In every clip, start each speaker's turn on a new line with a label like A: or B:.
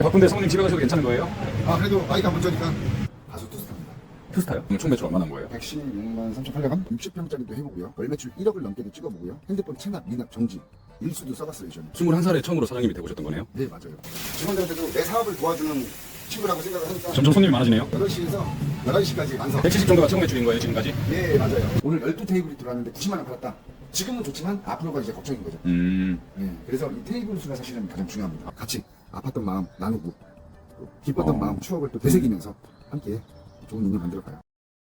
A: 바쁜데 성우님 집에 가셔도 괜찮은 거예요?
B: 아 그래도 아이가 먼저니까 가수 투스타입니다.
A: 투스타요? 총 매출 얼마나 한 거예요?
B: 116만 3,800원 60평짜리도 해보고요. 월 매출 1억을 넘게도 찍어보고요. 핸드폰 체납, 미납, 정지 일수도 써봤어요 저는.
A: 21살에 처음으로 사장님이 되고셨던 거네요?
B: 네 맞아요. 직원들한테도 내 사업을 도와주는 친구라고 생각을 하니까
A: 점점 손님이 많아지네요?
B: 8시에서 11시까지 완성.
A: 170 정도가 최고 매출인 거예요 지금까지?
B: 네 맞아요. 오늘 12테이블이 들어왔는데 90만 원 팔았다. 지금은 좋지만 앞으로가 이제 걱정인 거죠. 네, 그래서 이 테이블 수가 사실은 가장 중요합니다. 같이 아팠던 마음 나누고 또 기뻤던 마음 추억을 또 되새기면서 함께 좋은 인연 만들어가요.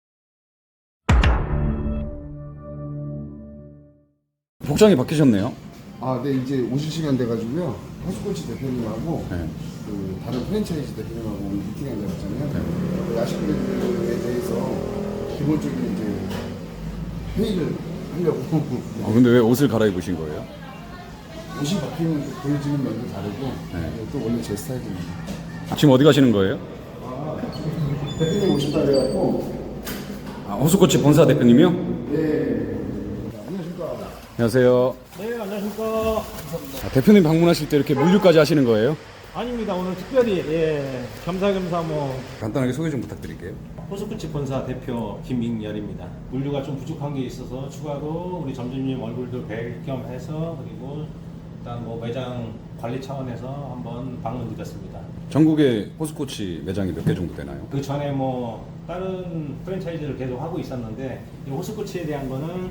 A: 복장이 바뀌셨네요?
B: 아, 네 이제 오실 시간 돼가지고요. 호수코치 대표님하고
A: 네.
B: 그 다른 프랜차이즈 대표님하고 오늘 미팅에 앉아봤잖아요. 야식 메뉴에 대해서 기본적인 이제 회의를 하려고.
A: 근데 왜 옷을 갈아입으신 거예요?
B: 옷이 바뀌면 또 보여지는 면도 다르고
A: 네.
B: 또 원래 제 스타일입니다.
A: 지금 어디 가시는 거예요?
B: 대표님 오신다 그래갖고.
A: 호수코치 본사 대표님이요?
B: 네. 안녕하십니까.
A: 안녕하세요.
C: 네, 안녕하십니까.
A: 대표님 방문하실 때 이렇게 물류까지 하시는 거예요?
C: 아닙니다. 오늘 특별히 겸사겸사
A: 간단하게 소개 좀 부탁드릴게요.
C: 호수쿠치 본사 대표 김민열입니다. 물류가 좀 부족한 게 있어서 추가로 우리 점주님 얼굴도 뵐 겸 해서 그리고 일단 매장 관리 차원에서 한번 방문드렸습니다. 전국에
A: 호수코치 매장이 몇 개 정도 되나요?
C: 그 전에 다른 프랜차이즈를 계속 하고 있었는데 이 호수쿠치에 대한 거는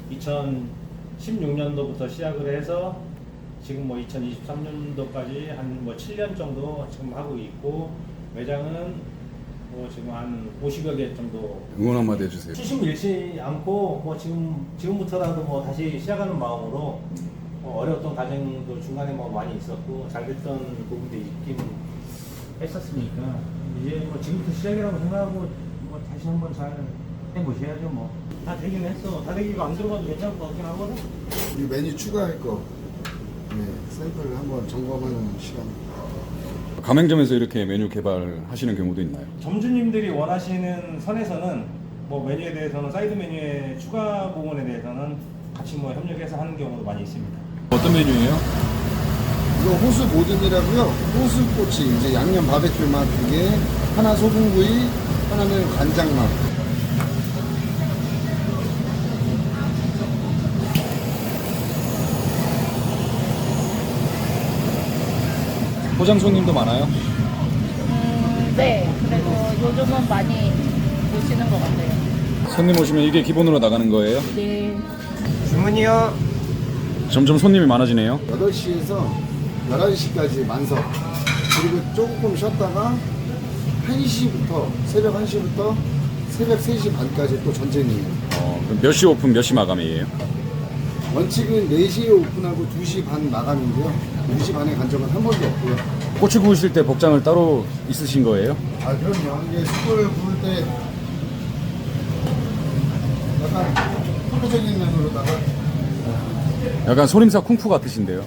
C: 2016년도부터 시작을 해서 지금 2023년도까지 한 7년 정도 지금 하고 있고 매장은 지금 한 50여 개 정도.
A: 응원 한마디 해주세요.
C: 추심 잃지 않고 지금부터라도 다시 시작하는 마음으로 어려웠던 과정도 중간에 많이 있었고 잘 됐던 부분도 있긴 했었으니까 이제 지금부터 시작이라고 생각하고 다시 한번 잘 해보셔야죠. 다 되긴 했어. 다 되기고 안 들어가도 괜찮을 것 같긴 하거든.
B: 우리 메뉴 추가할 거 네, 샘플을 한번 점검하는 시간.
A: 가맹점에서 이렇게 메뉴 개발하시는 경우도 있나요?
C: 점주님들이 원하시는 선에서는 메뉴에 대해서는 사이드 메뉴의 추가 부분에 대해서는 같이 협력해서 하는 경우도 많이 있습니다.
A: 어떤 메뉴예요?
B: 이거 호수 모듬이라고요. 호수꼬치 이제 양념 바베큐 맛 2개, 하나 소금구이, 하나는 간장 맛.
A: 포장 손님도 많아요?
D: 네, 그래도 요즘은 많이 오시는 것 같아요.
A: 손님 오시면 이게 기본으로 나가는 거예요?
D: 네.
C: 주문이요.
A: 점점 손님이 많아지네요.
B: 8시에서 11시까지 완성. 그리고 조금 쉬었다가 1시부터, 새벽 1시부터 새벽 3시 반까지 또 전쟁이에요.
A: 그럼 몇 시 오픈, 몇 시 마감이에요?
B: 원칙은 4시에 오픈하고 2시 반 마감인데요. 2시 반에 간 적은 한 번도 없고요.
A: 꼬치 구우실 때 복장을 따로 있으신 거예요?
B: 아, 그럼요. 이게 숯불을 구울 때 약간 프로적인 면으로다가
A: 약간 소림사 쿵푸 같으신데요?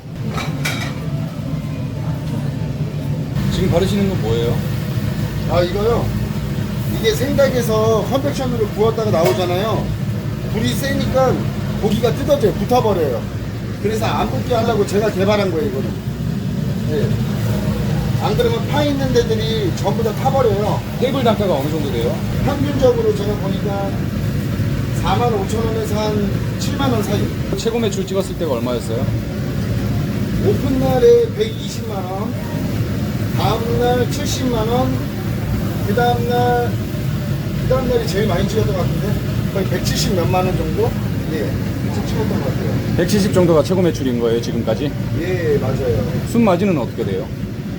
A: 지금 바르시는 건 뭐예요?
B: 아, 이거요. 이게 생닭에서 컨벡션으로 구웠다가 나오잖아요. 불이 세니까 고기가 뜯어져요. 붙어버려요. 그래서 안 붙게 하려고 제가 개발한 거예요, 이거는. 네. 안 그러면 파 있는 데들이 전부 다 타버려요.
A: 테이블 단가가 어느 정도 돼요?
B: 평균적으로 제가 보니까 45,000원에서 한 7만원 사이.
A: 최고 매출 찍었을 때가 얼마였어요?
B: 오픈날에 120만원, 다음날 70만원, 그 다음날이 제일 많이 찍었던 것 같은데, 거의 170 몇만원 정도? 예, 그렇게 찍었던 것 같아요.
A: 170 정도가 최고 매출인 거예요, 지금까지?
B: 예, 맞아요.
A: 순마진은 어떻게 돼요?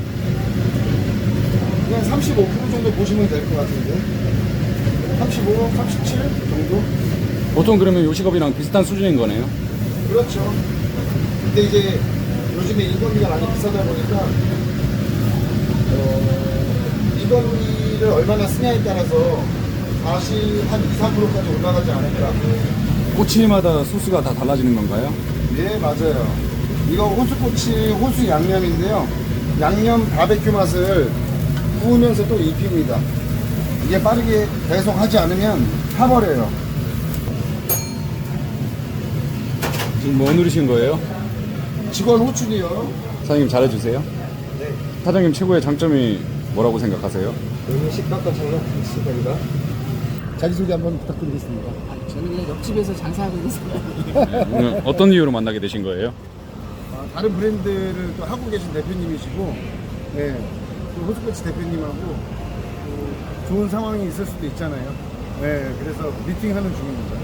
B: 그냥 35% 정도 보시면 될 것 같은데, 35, 37 정도?
A: 보통 그러면 요식업이랑 비슷한 수준인 거네요?
B: 그렇죠. 근데 이제 요즘에 인건비가 많이 비싸다 보니까 인건비를 얼마나 쓰냐에 따라서 다시 한 2, 3%까지 올라가지 않을까.
A: 꼬치마다 소스가 다 달라지는 건가요?
B: 예, 맞아요. 이거 호수꼬치 호수 양념인데요. 양념 바베큐 맛을 구우면서 또 입힙니다. 이게 빠르게 배송하지 않으면 타버려요.
A: 지금 뭐 누르신 거예요?
B: 직원 호출이요.
A: 사장님 잘해주세요.
B: 네.
A: 사장님 최고의 장점이 뭐라고 생각하세요?
E: 여기 식당과 장난 있습니다.
B: 자기소개 한번 부탁드리겠습니다.
F: 저는 그냥 옆집에서 장사하고 있는 사람이에요.
A: 오늘 어떤 이유로 만나게 되신 거예요?
B: 다른 브랜드를 또 하고 계신 대표님이시고, 네, 또 호수코치 대표님하고 또 좋은 상황이 있을 수도 있잖아요. 네, 그래서 미팅하는 중입니다.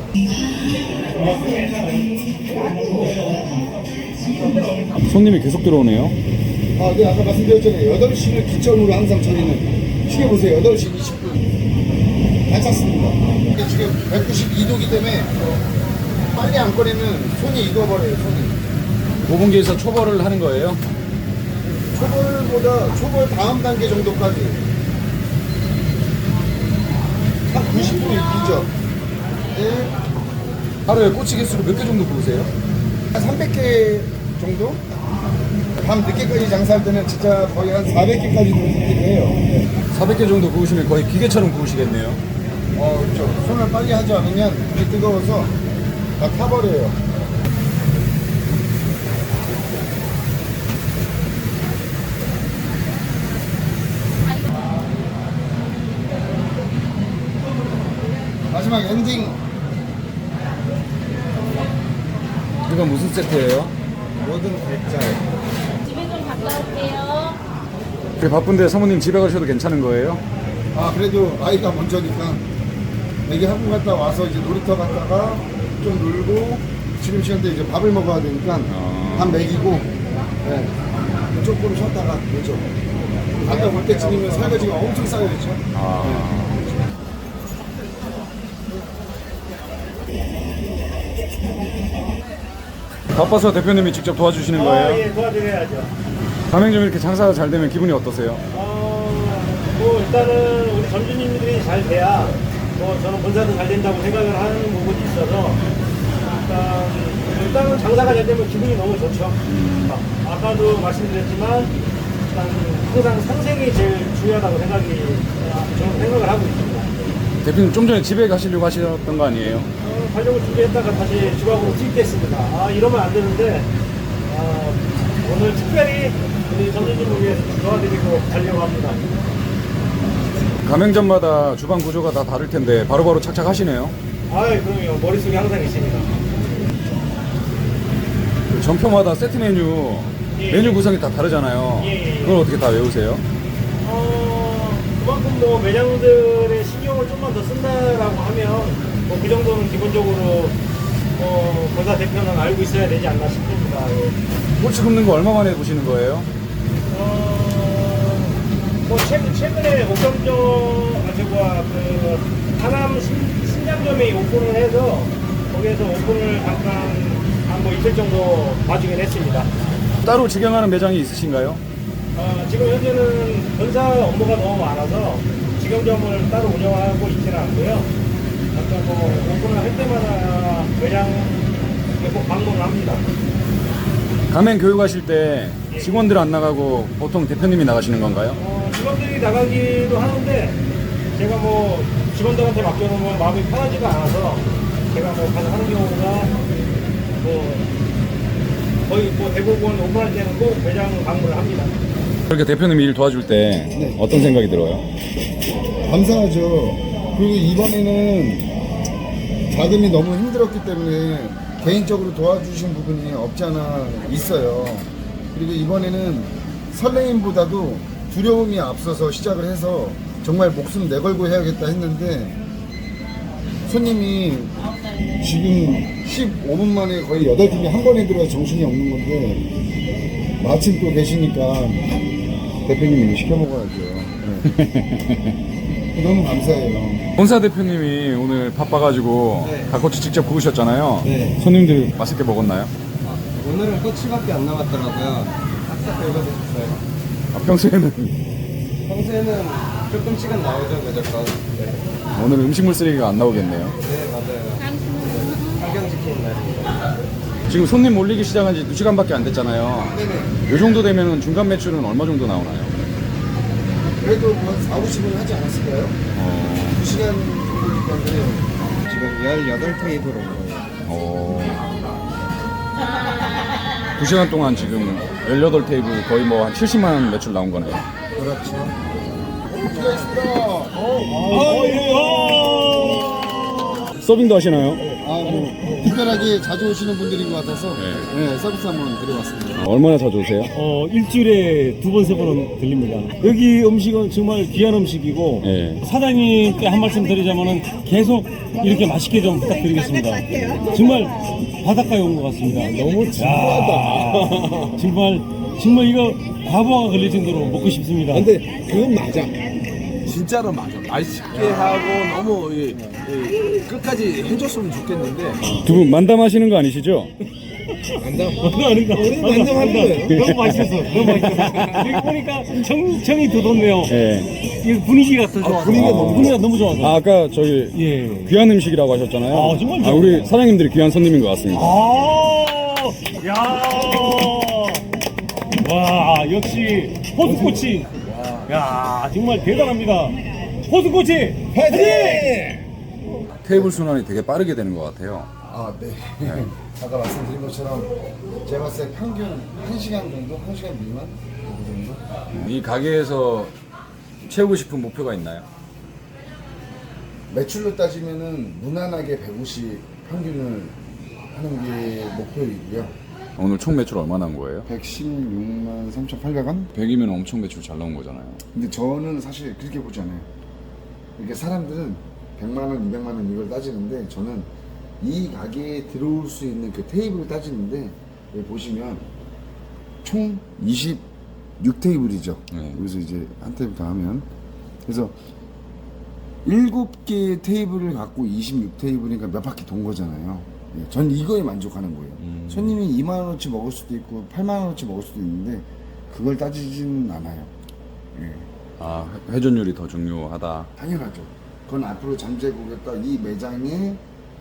A: 손님이 계속 들어오네요.
B: 네, 아까 말씀드렸잖아요. 8시를 기점으로 항상 저희는 시계 보세요. 8시 20분. 잘 찼습니다. 이게 지금 192도기 때문에 빨리 안 꺼내면 손이 익어버려요, 손이.
A: 고분기에서 초벌을 하는 거예요?
B: 초벌보다 초벌 다음 단계 정도까지 한 90% 익히죠. 네,
A: 하루에 꼬치 개수를 몇 개 정도 구우세요?
B: 한 300개 정도? 밤 늦게까지 장사할 때는 진짜 거의 한 400개까지도 익히기도 해요.
A: 400개 정도 구우시면 거의 기계처럼 구우시겠네요.
B: 그렇죠. 손을 빨리 하지 않으면 불이 뜨거워서 다 타버려요. 마지막 엔딩.
A: 이건 무슨 세트예요?
B: 모든 대짜.
D: 집에 좀 갔다 올게요.
A: 그렇게 바쁜데 사모님 집에 가셔도 괜찮은 거예요?
B: 그래도 아이가 먼저니까 애기 학원 갔다 와서 이제 놀이터 갔다가 좀 놀고 지금 시간대 이제 밥을 먹어야 되니까 밥 먹이고 네. 조금 쉬었다가 오죠. 갔다 올 때쯤이면 설거지가 엄청 쌓여있죠.
A: 바빠서 대표님이 직접 도와주시는 거예요?
C: 예, 도와드려야죠.
A: 가맹점 이렇게 장사가 잘 되면 기분이 어떠세요?
C: 뭐 일단은 우리 점주님들이 잘 돼야 뭐 저는 본사도 잘 된다고 생각을 하는 부분이 있어서 일단은 장사가 잘 되면 기분이 너무 좋죠. 아까도 말씀드렸지만 일단 항상 상생이 제일 중요하다고 저는 생각을 하고 있습니다.
A: 대표님 좀 전에 집에 가시려고 하셨던 거 아니에요?
C: 가려고 준비했다가 다시 주방으로 투입됐습니다. 이러면 안 되는데 오늘 특별히 우리 점주님을 위해서 도와드리고 가려고 합니다.
A: 가맹점마다 주방 구조가 다 다를 텐데 바로바로 착착 하시네요.
C: 그럼요. 머릿속에 항상 있습니다.
A: 그 점표마다 세트 메뉴
C: 예.
A: 메뉴 구성이 다 다르잖아요.
C: 예.
A: 그걸 어떻게 다 외우세요?
C: 그만큼 뭐 매장들의 신경을 좀만 더 쓴다라고 하면 뭐 그 정도는 기본적으로 본사 대표는 알고 있어야 되지 않나 싶습니다.
A: 꼬치 굽는 거 얼마 만에 보시는 거예요?
C: 뭐 최근에 옥점점 하남 신장점에 오픈을 해서 거기에서 오픈을 잠깐 한 뭐 이틀 정도 봐주긴 했습니다.
A: 따로 직영하는 매장이 있으신가요?
C: 지금 현재는 본사 업무가 너무 많아서 직영점을 따로 운영하고 있지는 않고요. 아까 뭐 오픈을 할 때마다 매장에 꼭 방문을 합니다.
A: 가맹 교육하실 때 직원들 안 나가고 보통 대표님이 나가시는 건가요?
C: 직원들이 나가기도 하는데 제가 뭐 직원들한테 맡겨놓으면 마음이 편하지가 않아서 제가 뭐 가서 하는 경우가 뭐 거의 뭐 대부분 오픈할 때는 꼭 매장 방문을 합니다.
A: 그렇게 대표님이 일 도와줄 때 어떤 생각이 들어요?
B: 감사하죠. 그리고 이번에는 자금이 너무 힘들었기 때문에 개인적으로 도와주신 부분이 없지 않아 있어요. 그리고 이번에는 설레임보다도 두려움이 앞서서 시작을 해서 정말 목숨 내걸고 해야겠다 했는데 손님이 지금 15분 만에 거의 8팀이 한 번에 들어와서 정신이 없는 건데 마침 또 계시니까 대표님이 이거 시켜 먹어야죠. 네. 너무 감사해요.
A: 본사 대표님이 오늘 바빠가지고
E: 네.
A: 닭꼬치 직접 구우셨잖아요.
E: 네.
A: 손님들 맛있게 먹었나요?
E: 오늘은 꼬치밖에 안 남았더라고요. 싹싹 긁어줬어요.
A: 평소에는
E: 평소에는 조금씩은 나오죠, 무조건. 네,
A: 오늘 음식물 쓰레기가 안 나오겠네요.
E: 네 맞아요. 환경 지키는 날입니다.
A: 지금 손님 몰리기 시작한 지 2시간밖에 안 됐잖아요.
B: 네네.
A: 이 정도 되면 중간 매출은 얼마 정도 나오나요?
B: 그래도 뭐 4, 50분 하지 않았을까요? 2시간 정도니까 그래요.
E: 지금 18테이블 온 거예요.
A: 어... 2시간 동안 지금 18테이블 거의 뭐 한 70만 원 매출 나온 거네요.
B: 그렇죠. 수고하셨습니다.
A: 서빙도 하시나요?
B: 뭐 특별하게 자주 오시는 분들인 것 같아서
A: 네.
B: 서비스 한번 드려봤습니다.
A: 얼마나 자주 오세요?
G: 일주일에 2번, 3번은 들립니다. 여기 음식은 정말 귀한 음식이고,
A: 네.
G: 사장님께 한 말씀 드리자면은 계속 이렇게 맛있게 좀 부탁드리겠습니다. 정말 바닷가에 온 것 같습니다. 너무 진부하다. 정말 이거 과부하가 걸릴 정도로 먹고 싶습니다.
H: 근데 그건 맞아. 진짜로 맞아. 맛있게 하고 너무 끝까지 해줬으면 좋겠는데.
A: 두 분 만담하시는 거 아니시죠?
G: 아닌가? 우리는 만족하는 거예요. 너무 맛있었어. 너무 맛있었어. 여기 보니까 정이 돋았네요.
A: 네.
G: 이 분위기가 더 좋아서. 분위기가 너무 좋아서.
A: 아, 아까 저기
G: 예.
A: 귀한 음식이라고 하셨잖아요.
G: 아, 정말요?
A: 우리 사장님들이 귀한 손님인 것 같습니다.
G: 야. 와, 역시 호수꼬치. 야, 정말 대단합니다. 호수꼬치 파이팅!
A: 테이블 순환이 되게 빠르게 되는 것 같아요.
B: 네. 아까 말씀드린 것처럼 제가 봤을 때 평균 1시간 정도? 1시간 미만? 그 정도?
A: 이 가게에서 채우고 싶은 목표가 있나요?
B: 매출로 따지면은 무난하게 150 평균을 하는 게 목표이고요.
A: 오늘 총 매출 얼마 나온 거예요?
B: 116만 3,800원?
A: 100이면 엄청 매출 잘 나온 거잖아요.
B: 근데 저는 사실 그렇게 보지 않아요. 이렇게 사람들은 100만 원, 200만 원 이걸 따지는데 저는 이 가게에 들어올 수 있는 그 테이블을 따지는데 여기 보시면 총 26테이블이죠.
A: 네.
B: 여기서 이제 한 테이블 더 하면 그래서 7개의 테이블을 갖고 26테이블이니까 몇 바퀴 돈 거잖아요. 예, 전 이거에 만족하는 거예요. 손님이 2만 원어치 먹을 수도 있고 8만 원어치 먹을 수도 있는데 그걸 따지지는 않아요. 예,
A: 아, 회전율이 더 중요하다.
B: 당연하죠. 그건 앞으로 잠재고겠다. 이 매장의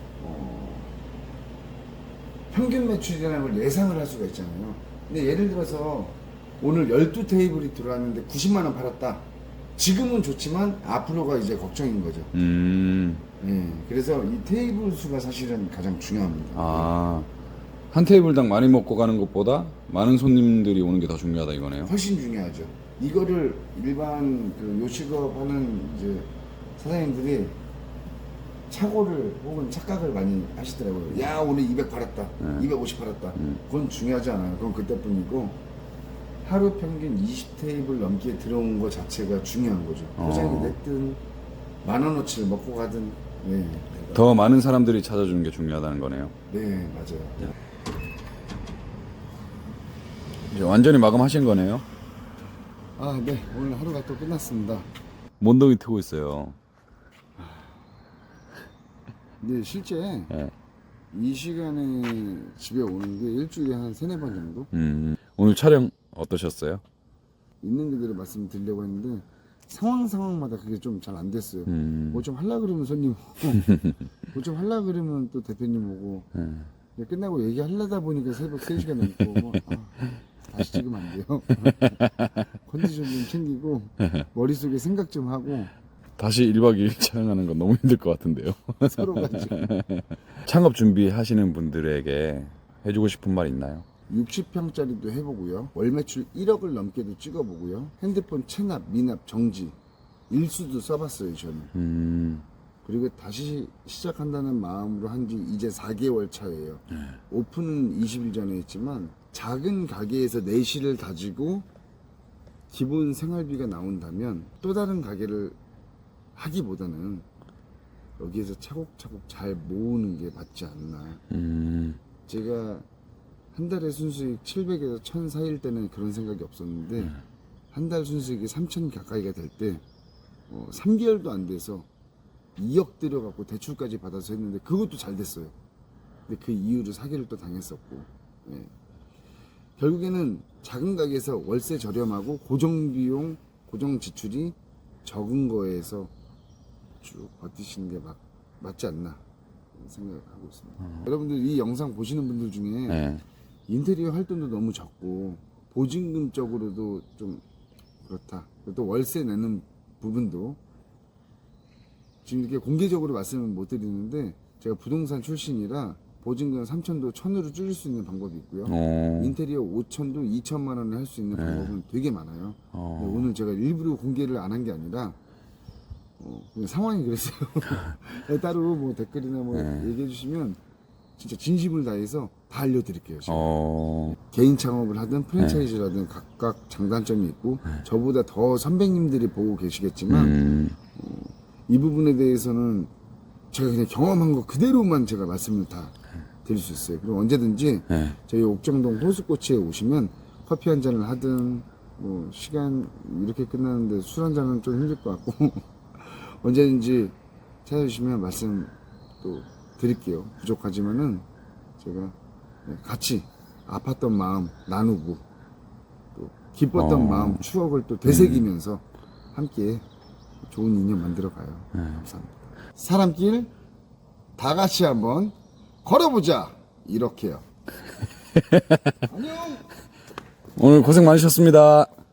B: 평균 매출이라는 걸 예상을 할 수가 있잖아요. 근데 예를 들어서 오늘 12테이블이 들어왔는데 90만 원 팔았다. 지금은 좋지만 앞으로가 이제 걱정인 거죠. 예, 그래서 이 테이블 수가 사실은 가장 중요합니다.
A: 아, 한 테이블당 많이 먹고 가는 것보다 많은 손님들이 오는 게 더 중요하다 이거네요.
B: 훨씬 중요하죠. 이거를 일반 그 요식업 하는 이제 사장님들이 착오를 혹은 착각을 많이 하시더라고요. 야, 오늘 200 팔았다. 250 팔았다. 그건 중요하지 않아요. 그건 그때뿐이고 하루 평균 20테이블 넘게 들어온 것 자체가 중요한 거죠. 포장이 됐든 만 원어치를 먹고 가든 네.
A: 더 많은 사람들이 찾아주는 게 중요하다는 거네요.
B: 네, 맞아요.
A: 이제 완전히 마감하신 거네요.
B: 네. 오늘 하루가 또 끝났습니다.
A: 몬동이 트고 있어요.
B: 근데 실제
A: 네.
B: 이 시간에 집에 오는 게 일주일에 한 3-4번 정도?
A: 오늘 촬영 어떠셨어요?
B: 있는 그대로 말씀드리려고 했는데 상황마다 그게 좀 잘 안 됐어요. 뭐 좀 하려 그러면 손님 오고 뭐 좀 하려 그러면 또 대표님 오고 끝나고 얘기하려다 보니까 새벽 3시간 넘고 다시 찍으면 안 돼요. 컨디션 좀 챙기고 머릿속에 생각 좀 하고
A: 다시 1박 2일 촬영하는 건 너무 힘들 것 같은데요.
B: 서로가 지금
A: 창업 준비하시는 분들에게 해주고 싶은 말 있나요?
B: 60평짜리도 해보고요. 월 매출 1억을 넘게도 찍어보고요. 핸드폰 체납, 미납, 정지 일수도 써봤어요 저는. 그리고 다시 시작한다는 마음으로 한 지 이제 4개월 차예요. 오픈은 20일 전에 했지만 작은 가게에서 내실을 다지고 기본 생활비가 나온다면 또 다른 가게를 하기보다는 여기에서 차곡차곡 잘 모으는 게 맞지 않나. 제가 한 달에 순수익 700에서 1000 사이일 때는 그런 생각이 없었는데 한 달 순수익이 3000 가까이가 될 때 3개월도 안 돼서 2억 들여갖고 대출까지 받아서 했는데 그것도 잘 됐어요. 근데 그 이후로 사기를 또 당했었고 결국에는 작은 가게에서 월세 저렴하고 고정비용, 고정 지출이 적은 거에서 쭉 버티시는 게 맞지 않나 생각하고 있습니다. 여러분들 이 영상 보시는 분들 중에
A: 네.
B: 인테리어 활동도 너무 적고 보증금적으로도 좀 그렇다. 또 월세 내는 부분도 지금 이렇게 공개적으로 말씀은 못 드리는데 제가 부동산 출신이라 보증금 3천도 1,000으로 줄일 수 있는 방법이 있고요.
A: 어.
B: 인테리어 5천도 2천만 원에 할 수 있는 방법은 되게 많아요. 근데 오늘 제가 일부러 공개를 안 한 게 아니라 그냥 상황이 그랬어요. 따로 뭐 댓글이나 뭐 얘기해 주시면 진짜 진심을 다해서 다 알려드릴게요. 제가. 개인 창업을 하든 프랜차이즈를 하든 각각 장단점이 있고 저보다 더 선배님들이 보고 계시겠지만 이 부분에 대해서는 제가 그냥 경험한 거 그대로만 제가 말씀을 다 드릴 수 있어요. 그리고 언제든지 저희 옥정동 호수꼬치에 오시면 커피 한 잔을 하든 뭐 시간 이렇게 끝나는데 술 한 잔은 좀 힘들 것 같고 언제든지 찾아주시면 말씀 또 드릴게요. 부족하지만은 제가 같이 아팠던 마음 나누고 또 기뻤던 마음 추억을 또 되새기면서 함께 좋은 인연 만들어 가요. 감사합니다. 사람길 다 같이 한번 걸어보자 이렇게요. 안녕.
A: 오늘 고생 많으셨습니다.